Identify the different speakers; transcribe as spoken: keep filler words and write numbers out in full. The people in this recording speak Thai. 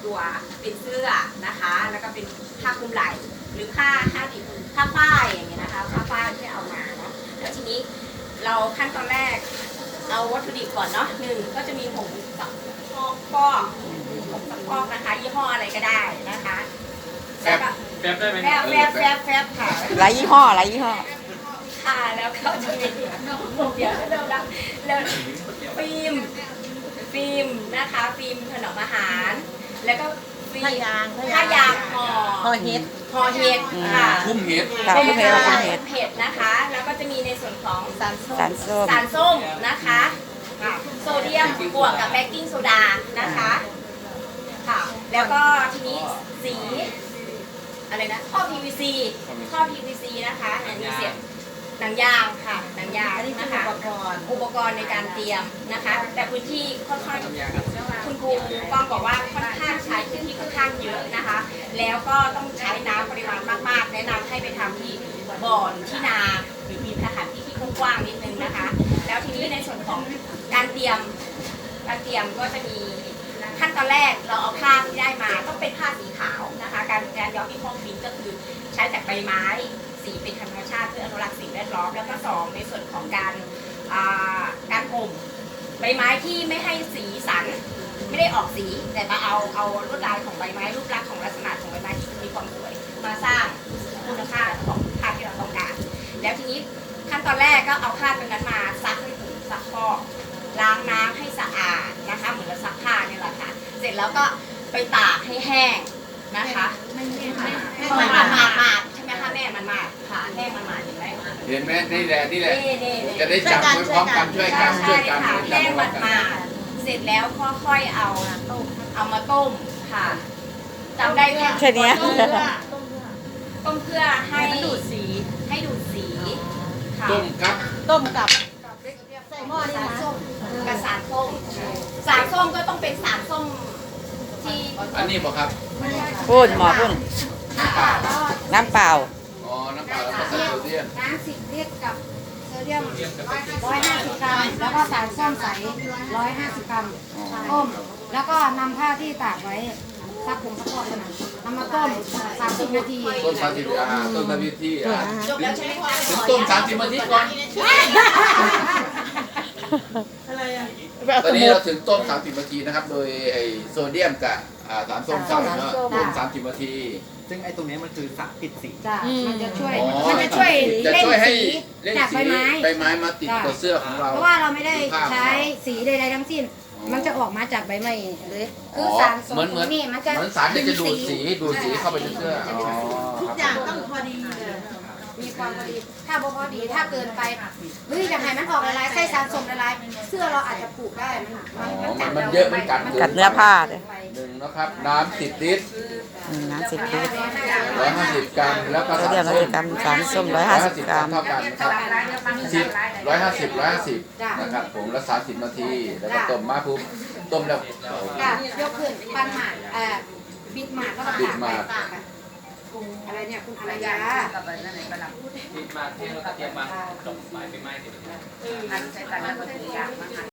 Speaker 1: ตัวเป็นเสื้อนะคะแล้วก็เป็นผ้าคลุมไหล่หรือผ้าผ้าดิบผ้าฝ้ายอย่างเงี้ยนะคะผ้าฝ้ายที่เอามาเนาะแล้วทีนี้เราขั้นตอนแรกเอาวัตถุดิบก่อนเนาะหนึ่งก็จะมีผงซักฟอกฟอกผงซักฟอกนะคะยี่ห้ออะไรก็ได้นะคะแฟบแฟบได้ไหมแฟบแฟบแฟบแฟบค่ะ
Speaker 2: หลายยี่ห้อหลายยี่ห้อ
Speaker 1: ค่ะแล้วก็จะมีเดี๋ยวเริ่มแล้วเริ่มฟิล์มฟิล์มนะคะฟิล์มถนอมอาหารแล้วก็ฟิล์มผ้ายางผ้ายางห่อ
Speaker 2: ห่อเห็ด
Speaker 1: ห่อเห็ดค่ะ
Speaker 3: คุ้มเห็ด
Speaker 2: คุ้มเห็ดคุ้มเห็ด
Speaker 1: เห็ดนะคะแล้วก็จะมีในส่วนของ
Speaker 2: สารส้ม
Speaker 1: สารส้มนะคะโซเดียมบวกกับเบกกิ้งโซดานะคะค่ะแล้วก็ทีนี้สีอะไรนะท่อ พี วี ซี ท่อ พี วี ซี นะคะอันนี้เสียบหนังยางค่ะหนังยางนะคะอุปกรณ์อุปกรณ์ในการเตรียมนะคะแต่พื้นที่ค่อนข้างคุณครูก้องบอกว่าค่อนข้างใช้พื้นที่ค่อนข้างเยอะนะคะแล้วก็ต้องใช้น้ำปริมาณมากๆแนะนำให้ไปทำที่บ่อนที่นาหรือมีสถานที่ที่กว้างๆนิดนึงนะคะแล้วทีนี้ในส่วนของการเตรียมการเตรียมก็จะมีขั้นตอนแรกเราเอาผ้าที่ได้มาต้องเป็นผ้าสีขาวนะคะการการย้อมที่ห้องฟินก็คือใช้จากใบไม้สีเป็นธรรมชาติเพื่ออนุรักษ์สิ่งแวดล้อมแล้วก็สองในส่วนของการการห่มใบไม้ที่ไม่ให้สีสันไม่ได้ออกสีแต่มาเอาเอาลวดลายของใบไม้รูปลักษณ์ของลักษณะของใบไม้ที่มีความสวยมาสร้างคุณค่าของผ้าที่เราต้องการแล้วทีนี้ขั้นตอนแรกก็เอาผ้าตรงนั้นมาซักให้ถูกซักฟอกล้างน้ำให้สะอาดนะคะเหมือนเราซักผ้าเนี่ยแหละค่ะเสร็จแล้วก็ไปตากให้แห้งนะคะไม่ไม่ไม่มันมาดมาดใช่ไหมคะแม่มันมาดค่ะแห้งมันมาดเห็นไหม
Speaker 3: เห็นไหมนี่แหละนี่แหละจะได้จับไปพร้อมกันช่วยกันช่วยกัน
Speaker 1: แห้งมันมาดเสร็จแล้วค่อยๆเอาเอามาต้มค่ะจำได้แค่
Speaker 2: แค่นี้
Speaker 1: ต้มเพื่อให้ดูดสีให้ดูดสีค่ะ
Speaker 3: ต้มครับ
Speaker 2: ต้มกับ
Speaker 1: ใส่หม้อนี่นะกับสารส้มสารส้มก็ต้องเป็นสารส้มที่
Speaker 3: อันนี้บอกครับ
Speaker 2: พุ่นหมอพุ่นน้ำเปล่า
Speaker 3: อ๋อน้ำเปล่าแล้วก็ใส่โซเดียม
Speaker 1: น้ำสิบลิตรกับโซเดียมร้อยห้าสิบกรัมแล้วก็สารส้มใสร้อยห้าสิบกรัมต้มแล้วก็นำผ้าที่ตากไว้ซักผงซักฟอกนะนำมาต้มสามสิบนาที
Speaker 3: ต้มสามสิบอ่าต้มสามสิบนาทีอ่า
Speaker 1: จบแล้วใช่ไหมคะ
Speaker 3: ถึงต้มสามสิบนาทีก่อน
Speaker 2: อะไรอ่ะ
Speaker 3: ตอนนี้เราถึงต้มสามสิบนาทีนะครับโดยไอโซเดียมกับสารส้มใส่เนาะต้มสามสิบนาที
Speaker 4: ซึ่งไอ้ตรงนี้มันคือสารปิดสี
Speaker 1: มันจะช่วยมันจะช่วย
Speaker 3: จะช่วยให้
Speaker 1: จากใบไม้
Speaker 3: ใบไม้มาติดกับเสื้อของเรา
Speaker 1: เพราะว่าเราไม่ได้ใช้สีใดๆทั้งสิ้นมันจะออกมาจากใบไม้เลยคือสาร
Speaker 3: เหมือนเหมือน
Speaker 1: นี่มันจะ
Speaker 3: เหมือนสารที่จะดูดสีดูดสีเข้าไปในเสื้อ
Speaker 2: ทุกอย่างต้องพอดี
Speaker 1: มีความพอดีถ้าบ่พอดีถ้าเกินไปเฮ้ยอย่างไรมันออกละลายไส้สารส้มละลายเสื้อเราอาจจะผูกได้
Speaker 3: มันมันเยอะมันกัด
Speaker 2: กัดเนื้อผ้าเลย
Speaker 3: หนึ่งนะครับน้ำสิบลิตร
Speaker 2: น้ำสิบลิตร
Speaker 3: ร้อยห้าสิบกรัมแล้วก็
Speaker 2: สารส้มกรัมสารส้มร้อยห้าสิบกรัม
Speaker 3: เท่ากันครับสิบร้อยห้าสิบร้อยห้าสิบนะครับผมละสามสิบนาทีแล้วก็ต้มมาปุ๊บต้มแล้ว
Speaker 1: ยกขึ้นปั้นหมากเอ่อบิดหมากก็
Speaker 3: บิดหมาก
Speaker 1: อะไรเนี่ยคุณอารยา
Speaker 4: บิดหมากเทแล้วก็เตรียมมาจบหมายไปไม้ติดอันใช้ตันแล้วก็ถือยากมาก